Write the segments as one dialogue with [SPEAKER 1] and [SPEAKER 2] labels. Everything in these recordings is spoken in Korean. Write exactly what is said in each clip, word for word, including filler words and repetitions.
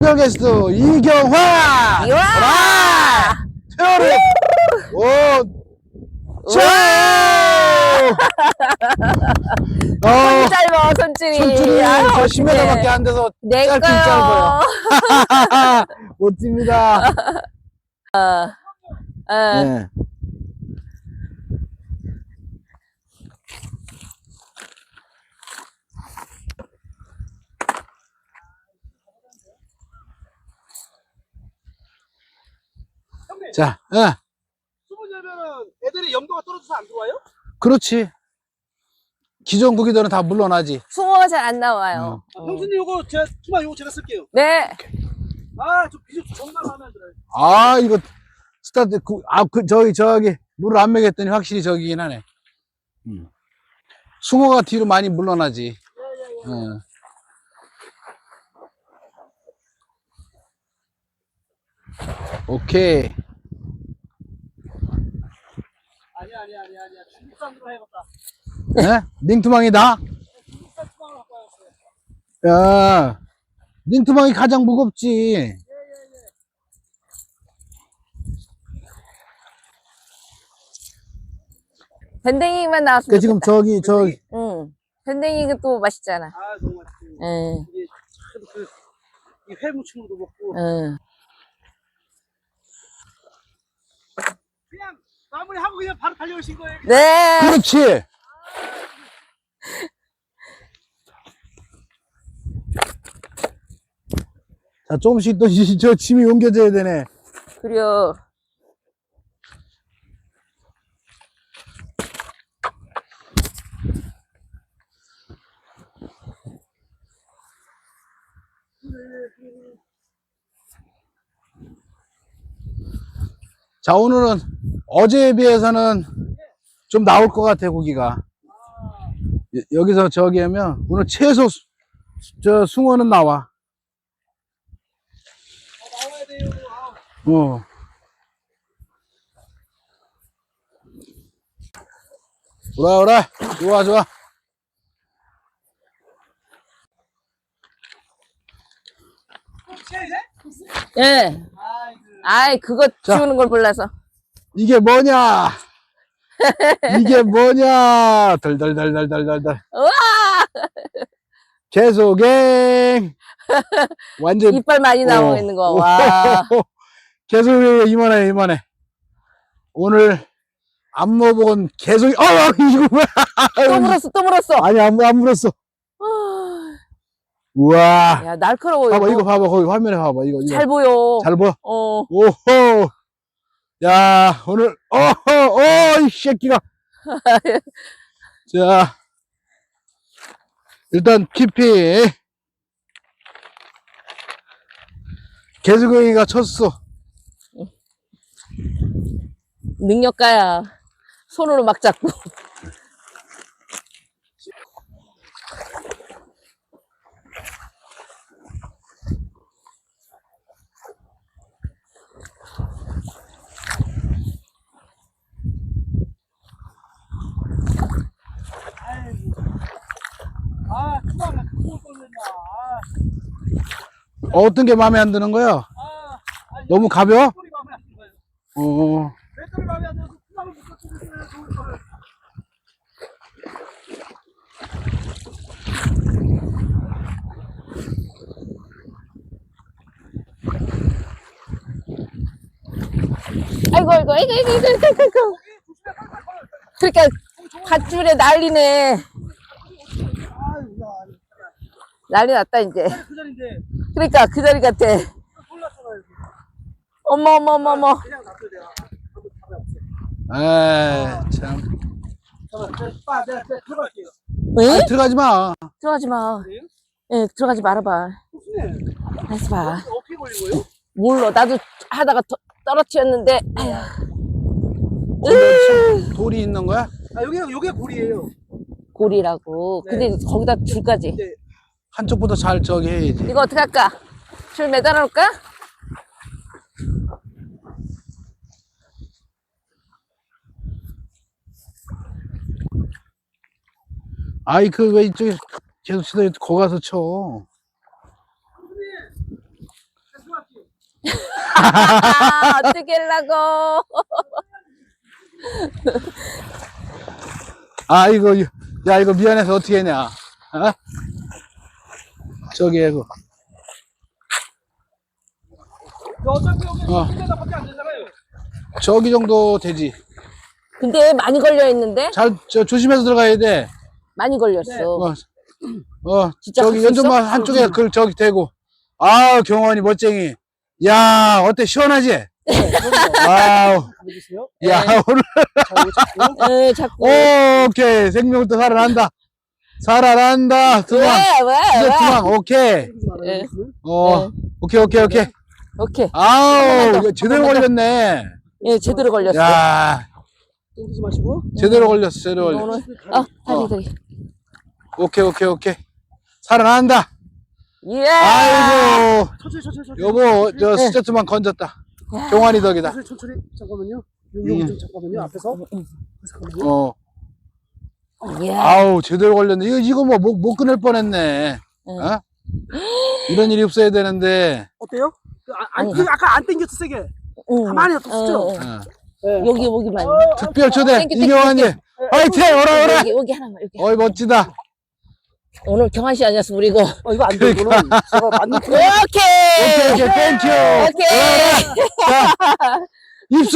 [SPEAKER 1] 특별 게스트 이경화!
[SPEAKER 2] 이와!
[SPEAKER 1] 태어리! 오! 자! 어,
[SPEAKER 2] 손이 짧아, 손줄이.
[SPEAKER 1] 손줄이
[SPEAKER 2] 아유,
[SPEAKER 1] 저
[SPEAKER 2] 어떡해.
[SPEAKER 1] 십 미터밖에 안 돼서
[SPEAKER 2] 내
[SPEAKER 1] 짧긴
[SPEAKER 2] 거요.
[SPEAKER 1] 짧아요. 멋집니다.
[SPEAKER 2] 어.
[SPEAKER 1] 네. 자, 예.
[SPEAKER 3] 숨을 내면은 애들이 염도가 떨어져서 안 들어와요?
[SPEAKER 1] 그렇지. 기존 구기들은 다 물러나지.
[SPEAKER 2] 숭어가 잘 안 나와요.
[SPEAKER 3] 아, 형수님 요거 제가 투마 요거 제가 쓸게요.
[SPEAKER 2] 네.
[SPEAKER 3] 아 저 비주 정말 마음에 안 들어요.
[SPEAKER 1] 아, 이거, 스타트, 그, 아, 그, 저기, 저기, 물을 안 먹였더니 확실히 저기긴 하네. 음. 숭어가 뒤로 많이 물러나지. 어. 오케이.
[SPEAKER 3] 아니야 아니야 아니야 아니야 중국산으로 해봤다.
[SPEAKER 1] 네? 닝투망이다?
[SPEAKER 3] 중국산 투마를 갖고 왔어요.
[SPEAKER 1] 야, 닝투망이 가장 무겁지.
[SPEAKER 2] 밴댕이만 나왔으면
[SPEAKER 1] 그 지금
[SPEAKER 2] 좋겠다.
[SPEAKER 1] 저기, 저기,
[SPEAKER 2] 응. 밴댕이가 또 맛있잖아.
[SPEAKER 3] 아 너무 맛있어요.
[SPEAKER 2] 응.
[SPEAKER 3] 이게 참 그, 이 회무침으로도 먹고
[SPEAKER 2] 응.
[SPEAKER 3] 그냥 마무리하고 그냥 바로 달려오신 거예요.
[SPEAKER 2] 네.
[SPEAKER 1] 그렇지. 자, 조금씩 또, 이- 저 짐이 옮겨져야 되네.
[SPEAKER 2] 그래요.
[SPEAKER 1] 자, 오늘은 어제에 비해서는 좀 나올 것 같아, 고기가. 여- 여기서 저기 하면 오늘 최소 수- 저 숭어는 나와.
[SPEAKER 3] 아, 나와야 돼요. 아,
[SPEAKER 1] 어. 오라, 오라. 좋아, 좋아.
[SPEAKER 3] 혹시 이제?
[SPEAKER 2] 예.
[SPEAKER 3] 아 이거
[SPEAKER 2] 아이, 그거
[SPEAKER 1] 자.
[SPEAKER 2] 지우는 걸 몰라서.
[SPEAKER 1] 이게 뭐냐? 이게 뭐냐? 덜덜덜덜덜덜덜.
[SPEAKER 2] 우와!
[SPEAKER 1] 계속행. 완전
[SPEAKER 2] 이빨 많이 나오고
[SPEAKER 1] 어.
[SPEAKER 2] 있는 거. 와.
[SPEAKER 1] 계속 이만해, 이만해. 오늘 안 먹어본 계속, 어, 이거 뭐야?
[SPEAKER 2] 또 물었어, 또 물었어.
[SPEAKER 1] 아니, 안, 안 물었어.
[SPEAKER 2] 아,
[SPEAKER 1] 우와.
[SPEAKER 2] 야, 날카로워.
[SPEAKER 1] 봐봐,
[SPEAKER 2] 이거.
[SPEAKER 1] 이거 봐봐, 거기 화면에 봐봐, 이거. 이거.
[SPEAKER 2] 잘 보여.
[SPEAKER 1] 잘 보여?
[SPEAKER 2] 어.
[SPEAKER 1] 오호. 야, 오늘, 어허, 어, 이 새끼가. 자, 일단, 깊이. 개수경이가 쳤어.
[SPEAKER 2] 능력가야. 손으로 막 잡고.
[SPEAKER 3] 아 투마가 그거 뻔했나. 아,
[SPEAKER 1] 어떤 게 마음에 안 드는 거야?
[SPEAKER 3] 아, 아니,
[SPEAKER 1] 너무 가벼워?
[SPEAKER 3] 맷돌이 마음에 안 드는 거예요.
[SPEAKER 1] 어,
[SPEAKER 3] 맷돌이 마음에 안 들어서 투마를 못 갖추겠어요. 좋은 거를.
[SPEAKER 2] 아이고, 아이고, 아이고, 아이고, 아이고, 아이고, 아이고. 그러니까, 밧줄에 난리네.
[SPEAKER 3] 아유, 야,
[SPEAKER 2] 난리 났다, 이제.
[SPEAKER 3] 그 자리인데
[SPEAKER 2] 그러니까, 그 자리 같아.
[SPEAKER 3] 몰랐잖아요.
[SPEAKER 2] 어머, 어머, 어머, 어머.
[SPEAKER 3] 그냥 놔둬야 돼요. 한번 잡아보세요.
[SPEAKER 1] 에이, 참.
[SPEAKER 3] 잠깐만, 빠, 내가, 내가 들어갈게요.
[SPEAKER 2] 응?
[SPEAKER 1] 아니, 들어가지 마.
[SPEAKER 2] 들어가지 마.
[SPEAKER 3] 그래요?
[SPEAKER 2] 예, 들어가지 말아봐.
[SPEAKER 3] 무슨
[SPEAKER 2] 알았어 봐.
[SPEAKER 3] 어떻게 걸린 거예요?
[SPEAKER 2] 몰라. 나도 하다가 더, 떨어뜨렸는데. 아휴.
[SPEAKER 1] 거기 돌이 있는 거야?
[SPEAKER 3] 아, 여기가, 여기가 골이에요.
[SPEAKER 2] 골이라고.
[SPEAKER 3] 네.
[SPEAKER 2] 근데 거기다 줄까지.
[SPEAKER 3] 네.
[SPEAKER 1] 한쪽부터 잘 저기 해야지.
[SPEAKER 2] 이거 어떻게 할까? 줄 매달아 놓을까?
[SPEAKER 1] 아이, 그, 왜 이쪽에 계속 치다 거기 가서 쳐.
[SPEAKER 2] 아, 어떻게 하려고.
[SPEAKER 1] 아, 이거, 야, 이거 미안해서 어떻게 했냐. 어? 저기, 이거.
[SPEAKER 3] 어차피 여기
[SPEAKER 1] 어.
[SPEAKER 3] 한 대답밖에 안 되잖아요.
[SPEAKER 1] 저기 정도 되지.
[SPEAKER 2] 근데 많이 걸려 있는데?
[SPEAKER 1] 잘, 저, 조심해서 들어가야 돼.
[SPEAKER 2] 많이 걸렸어.
[SPEAKER 1] 어, 어,
[SPEAKER 2] 진짜
[SPEAKER 1] 저기
[SPEAKER 2] 갈수
[SPEAKER 1] 연전만
[SPEAKER 2] 있어?
[SPEAKER 1] 한쪽에 그, 저기 대고. 아, 경원이 멋쟁이. 야, 어때? 시원하지? 와우.
[SPEAKER 3] 보여주세요.
[SPEAKER 1] 야,
[SPEAKER 2] 네.
[SPEAKER 1] 오늘,
[SPEAKER 3] 자, 이거 잡고.
[SPEAKER 2] 에, 자꾸.
[SPEAKER 1] 오케이. 생명부터 살아난다. 살아난다. 두망.
[SPEAKER 2] 왜, 왜,
[SPEAKER 1] 이제
[SPEAKER 2] 왜?
[SPEAKER 1] 두망. 오케이.
[SPEAKER 2] 예.
[SPEAKER 1] 어,
[SPEAKER 2] 네.
[SPEAKER 1] 오케이, 오케이, 오케이.
[SPEAKER 2] 오케이.
[SPEAKER 1] 아우,
[SPEAKER 2] 더,
[SPEAKER 1] 이거 제대로
[SPEAKER 2] 한번 더.
[SPEAKER 1] 걸렸네.
[SPEAKER 2] 예, 제대로 걸렸어.
[SPEAKER 1] 야,
[SPEAKER 3] 땡기지 마시고.
[SPEAKER 1] 제대로 걸렸어, 제대로 걸렸어.
[SPEAKER 2] 오늘, 어, 다리, 다리.
[SPEAKER 1] 오케이, 오케이, 오케이. 살아난다.
[SPEAKER 2] 예!
[SPEAKER 1] 아이고,
[SPEAKER 3] 천천히, 천천히, 천천히.
[SPEAKER 1] 여보, 저
[SPEAKER 2] 네.
[SPEAKER 1] 스트트만 건졌다. 경환이 덕이다.
[SPEAKER 3] 천천히, 천천히. 잠깐만요. 여기
[SPEAKER 1] 음.
[SPEAKER 3] 좀 잠깐만요. 앞에서. 잠깐만요.
[SPEAKER 1] 어,
[SPEAKER 2] 예.
[SPEAKER 1] 아우, 제대로 걸렸네. 이거, 이거 뭐, 못, 못 끊을 뻔했네.
[SPEAKER 2] 응.
[SPEAKER 1] 어? 이런 일이 없어야 되는데.
[SPEAKER 3] 어때요? 그, 아, 안,
[SPEAKER 2] 응.
[SPEAKER 3] 그 아까 안 땡겼어, 세게.
[SPEAKER 2] 응.
[SPEAKER 3] 가만히 뒀었죠?
[SPEAKER 2] 응, 응.
[SPEAKER 1] 어.
[SPEAKER 3] 네.
[SPEAKER 2] 여기, 여기만.
[SPEAKER 3] 어,
[SPEAKER 1] 특별 초대,
[SPEAKER 2] 땡큐, 땡큐,
[SPEAKER 1] 이경환이. 화이팅! 오라, 오라!
[SPEAKER 2] 여기, 여기 하나만, 여기.
[SPEAKER 1] 어이, 멋지다.
[SPEAKER 2] 오늘 경환 씨 아니었어, 우리 이거.
[SPEAKER 3] 어, 이거 안 돼, 이거는. 제가 맞는 표
[SPEAKER 2] 오케이!
[SPEAKER 1] 오케이, 오케이, 땡큐.
[SPEAKER 2] 오케이!
[SPEAKER 1] 자, 입수!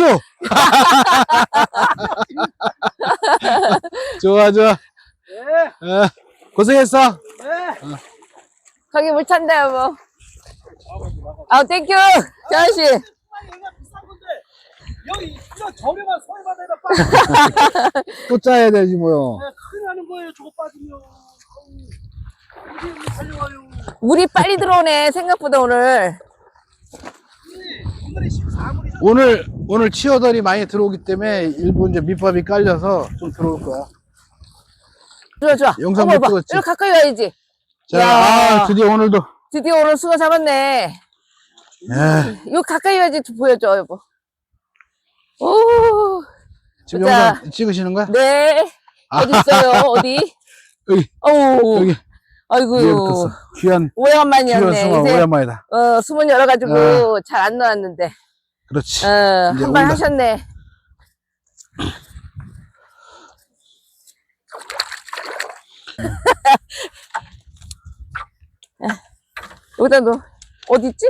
[SPEAKER 1] 좋아, 좋아.
[SPEAKER 3] 네,
[SPEAKER 1] 어, 고생했어.
[SPEAKER 3] 네.
[SPEAKER 2] 거기 물 찬다, 여보. 아, 땡큐! 경환 씨.
[SPEAKER 3] 정말 얘가 비싼 건데. 여기, 이거 저렴한 서해바다에다 빠지면
[SPEAKER 1] 또 짜야 되지, 뭐요.
[SPEAKER 3] 큰일 나는 거예요, 저거 빠지면. 아우, 이게 왜 달려와요.
[SPEAKER 2] 물이 빨리 들어오네, 생각보다 오늘.
[SPEAKER 3] 오늘이 십사 물이죠.
[SPEAKER 1] 오늘, 오늘 치어들이 많이 들어오기 때문에 일부 이제 밑밥이 깔려서 좀 들어올 거야.
[SPEAKER 2] 좋아, 좋아.
[SPEAKER 1] 영상
[SPEAKER 2] 어머,
[SPEAKER 1] 못
[SPEAKER 2] 봐.
[SPEAKER 1] 찍었지?
[SPEAKER 2] 이리 가까이 와야지.
[SPEAKER 1] 자,
[SPEAKER 2] 야.
[SPEAKER 1] 아, 드디어 오늘도.
[SPEAKER 2] 드디어 오늘 수거 잡았네.
[SPEAKER 1] 야,
[SPEAKER 2] 이거 가까이 와야지 보여줘, 여보. 오,
[SPEAKER 1] 지금
[SPEAKER 2] 자.
[SPEAKER 1] 영상 찍으시는 거야?
[SPEAKER 2] 네. 어디 있어요? 어디?
[SPEAKER 1] 여기,
[SPEAKER 2] 어우,
[SPEAKER 1] 여기. 위에
[SPEAKER 2] 아이고.
[SPEAKER 1] 붙었어. 귀한, 귀한
[SPEAKER 2] 오래간만이었네.
[SPEAKER 1] 수마,
[SPEAKER 2] 이제,
[SPEAKER 1] 오랜만이다.
[SPEAKER 2] 어, 수문 열어가지고
[SPEAKER 1] 어.
[SPEAKER 2] 잘 안 나왔는데.
[SPEAKER 1] 그렇지.
[SPEAKER 2] 어,
[SPEAKER 1] 이제
[SPEAKER 2] 한 번
[SPEAKER 1] 온다.
[SPEAKER 2] 하셨네. 여기다 너, 어디 있지?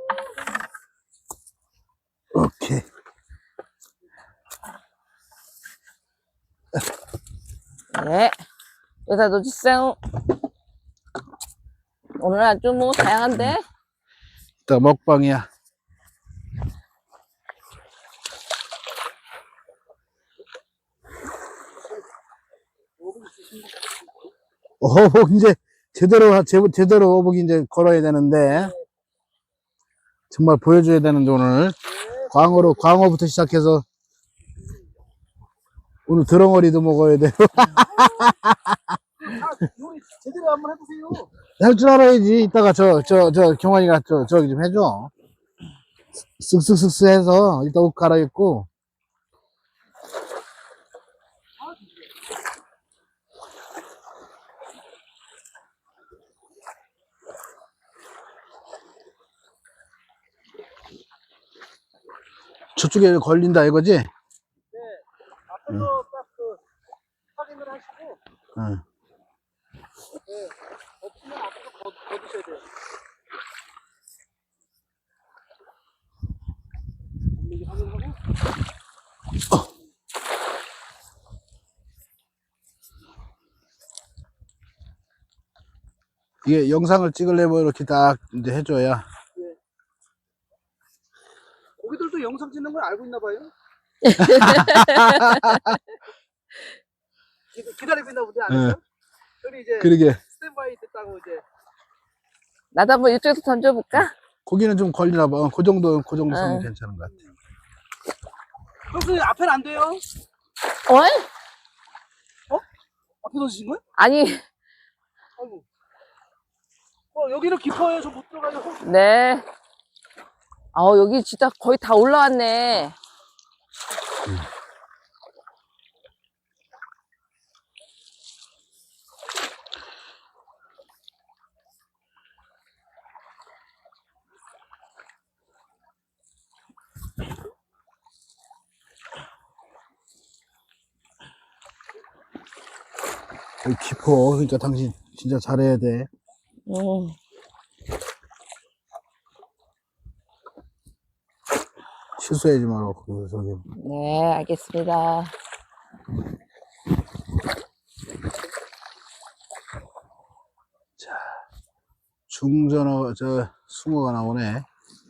[SPEAKER 1] 오케이.
[SPEAKER 2] 네. 여기다 놓으세요. 오늘 아주 뭐 다양한데?
[SPEAKER 1] 이따 먹방이야. 어복 이제 제대로 제, 제대로 어복 이제 걸어야 되는데 정말 보여줘야 되는데 오늘 광어로 광어부터 시작해서 오늘 드렁어리도 먹어야 돼요.
[SPEAKER 3] 아, 요리 제대로 한번 해보세요.
[SPEAKER 1] 할 줄 알아야지. 이따가 저 저 저 경환이가 저 저기 좀 해줘. 쓱쓱쓱쓱 해서 이따 옷 갈아입고. 저쪽에 걸린다 이거지?
[SPEAKER 3] 앞에서 딱 그 확인을 하시고,
[SPEAKER 1] 응.
[SPEAKER 3] 없으면 앞에서 거, 거두셔야 돼요. 이게 확인하고.
[SPEAKER 1] 이게 영상을 찍으려면 이렇게 딱 이제 해줘야.
[SPEAKER 3] 고기들도 영상 찍는 걸 알고 있나 봐요. 기- 기다리고 있나 보네,
[SPEAKER 1] 응.
[SPEAKER 3] 아니죠? 저리 이제
[SPEAKER 1] 그러게.
[SPEAKER 3] 스탠바이 됐다고 이제.
[SPEAKER 2] 나도 한번 이쪽에서 던져볼까?
[SPEAKER 1] 고기는 좀 걸리나 봐. 어, 그 정도, 그 정도 선은
[SPEAKER 2] 응.
[SPEAKER 1] 괜찮은 것 같아.
[SPEAKER 3] 형수님 앞에는 안 돼요?
[SPEAKER 2] 어?
[SPEAKER 3] 앞에 던지신 거예요?
[SPEAKER 2] 아니,
[SPEAKER 3] 아이고. 어, 여기는 깊어요. 저 못 들어가요.
[SPEAKER 2] 네. 아, 여기 진짜 거의 다 올라왔네.
[SPEAKER 1] 여기 깊어. 그러니까 당신 진짜 잘해야 돼.
[SPEAKER 2] 음.
[SPEAKER 1] 실수하지 말고, 그, 저기.
[SPEAKER 2] 네, 알겠습니다.
[SPEAKER 1] 중전어, 저, 숭어가 나오네.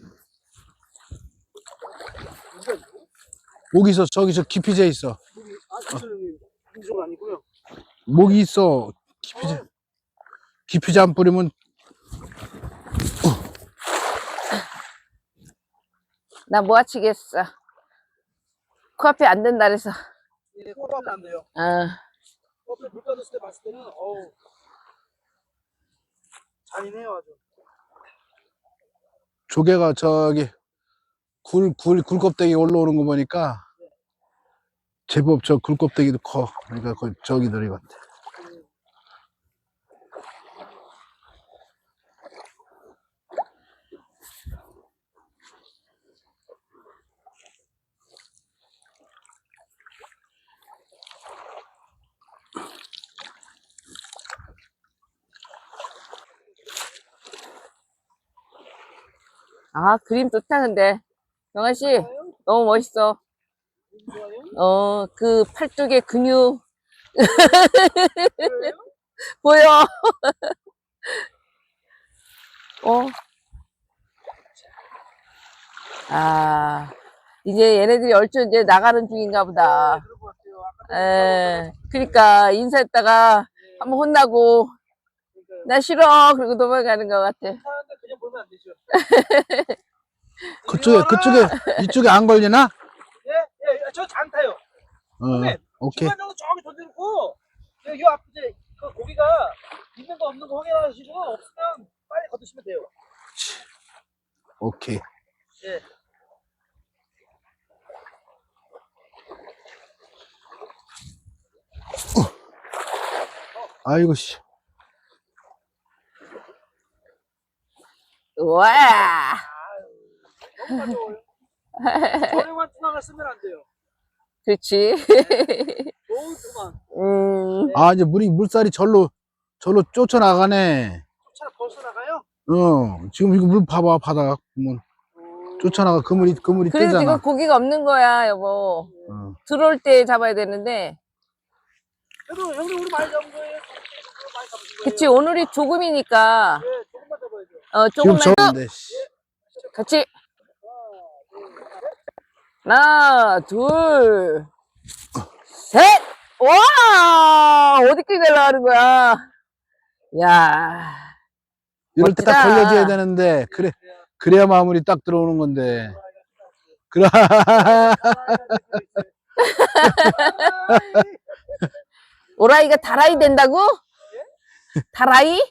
[SPEAKER 1] 목이 있어. 저기 저 깊이제 있어.
[SPEAKER 3] 아, 저는 인종 아니고요.
[SPEAKER 1] 목이 있어. 깊이제. 깊이제 안 뿌리면,
[SPEAKER 2] 나 뭐 하치겠어. 코앞에 안 된다 그래서.
[SPEAKER 3] 예, 코앞은 안 돼요.
[SPEAKER 2] 어.
[SPEAKER 3] 코앞에 물 빠졌을 때 봤을 때는, 어우, 잔인해요, 아주.
[SPEAKER 1] 조개가 저기, 굴, 굴, 굴껍데기 올라오는 거 보니까, 제법 저 굴껍데기도 커. 그러니까 그 저기들이 같아.
[SPEAKER 2] 아, 그림 좋다, 근데. 영아 씨, 너무 멋있어. 어, 그 팔뚝의 근육. 보여. 어. 아, 이제 얘네들이 얼추 이제 나가는 중인가 보다.
[SPEAKER 3] 그런 것 같아요. 아까
[SPEAKER 2] 에, 그러니까 인사했다가 한번 혼나고, 나 싫어. 그리고 도망가는 것 같아.
[SPEAKER 3] 사는데 그냥 보면 안 되죠.
[SPEAKER 1] 그쪽에, 그쪽에, 이쪽에 안 걸리나?
[SPEAKER 3] 예, 예, 저 장타요.
[SPEAKER 1] 어,
[SPEAKER 3] 선배,
[SPEAKER 1] 오케이.
[SPEAKER 3] 중간 정도 저기 던져놓고, 요, 요 앞에 이제 그 고기가 있는 거 없는 거 확인하시고, 없으면 빨리 걷으시면 돼요.
[SPEAKER 1] 오케이.
[SPEAKER 3] 예.
[SPEAKER 1] 아이고, 씨.
[SPEAKER 2] 우와.
[SPEAKER 3] 너무 가져워요. 저렴한 투망을 쓰면 안 돼요.
[SPEAKER 2] 그렇지.
[SPEAKER 3] 좋은 투망.
[SPEAKER 2] 음,
[SPEAKER 1] 아, 이제 물이, 물살이 절로, 절로 쫓아나가네.
[SPEAKER 3] 차 벌써 나가요?
[SPEAKER 1] 어, 지금 이거 물 봐봐, 바다. 보면. 쫓아나가, 그물이, 그물이
[SPEAKER 2] 그래도
[SPEAKER 1] 뜨잖아.
[SPEAKER 2] 지금 고기가 없는 거야, 여보.
[SPEAKER 1] 어.
[SPEAKER 2] 들어올 때 잡아야 되는데.
[SPEAKER 3] 그래도 형님 우리 많이 잡은 거예요? 많이 잡은 거예요?
[SPEAKER 2] 그치, 오늘이 조금이니까.
[SPEAKER 3] 예, 조금만 잡아야죠.
[SPEAKER 2] 어,
[SPEAKER 1] 지금
[SPEAKER 2] 조금만.
[SPEAKER 1] 저런데, 씨.
[SPEAKER 2] 같이. 하나, 둘, 셋! 와! 어디까지 날아가는 거야? 야
[SPEAKER 1] 이럴 때 딱
[SPEAKER 2] 멋지다.
[SPEAKER 1] 걸려줘야 되는데, 그래, 그래야 마무리 딱 들어오는 건데. 그래.
[SPEAKER 2] 오라이가 다라이 된다고? 다라이?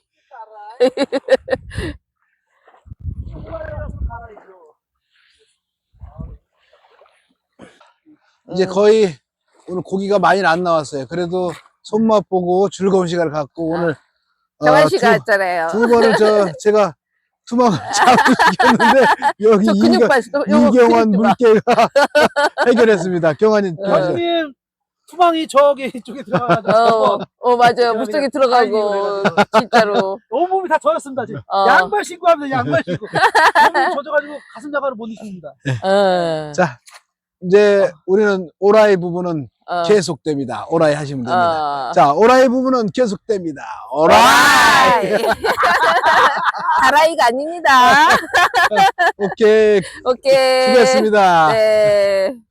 [SPEAKER 1] 이제 거의 오늘 고기가 많이 안 나왔어요. 그래도 손맛 보고 즐거운 시간을 갖고 오늘
[SPEAKER 2] 정한
[SPEAKER 1] 어,
[SPEAKER 2] 씨가
[SPEAKER 1] 두,
[SPEAKER 2] 했잖아요.
[SPEAKER 1] 두 번을 저 제가 투망을 잡으시켰는데 여기
[SPEAKER 2] 저 근육
[SPEAKER 1] 이경,
[SPEAKER 2] 봤어. 요거
[SPEAKER 1] 이경환
[SPEAKER 2] 근육 봐.
[SPEAKER 1] 물개가 해결했습니다. 경환이
[SPEAKER 2] 어.
[SPEAKER 3] 형님 투망이 저기 이쪽에 들어가가지고
[SPEAKER 2] 어, 어, 맞아요.
[SPEAKER 3] 그냥
[SPEAKER 2] 물속에
[SPEAKER 3] 그냥
[SPEAKER 2] 들어가고, 진짜로.
[SPEAKER 3] 온 몸이 다 젖었습니다 지금.
[SPEAKER 2] 어.
[SPEAKER 3] 양말 신고 합니다. 양말 신고. 몸이 젖어가지고 가슴 자갈을 못 입습니다.
[SPEAKER 2] 어,
[SPEAKER 1] 자 이제 우리는 오라이 부분은
[SPEAKER 2] 어,
[SPEAKER 1] 계속됩니다. 오라이 하시면 됩니다.
[SPEAKER 2] 어.
[SPEAKER 1] 자 오라이 부분은 계속됩니다. 오라이.
[SPEAKER 2] 오라이! 다라이가 아닙니다.
[SPEAKER 1] 오케이
[SPEAKER 2] 오케이.
[SPEAKER 1] 수고했습니다.
[SPEAKER 2] 네.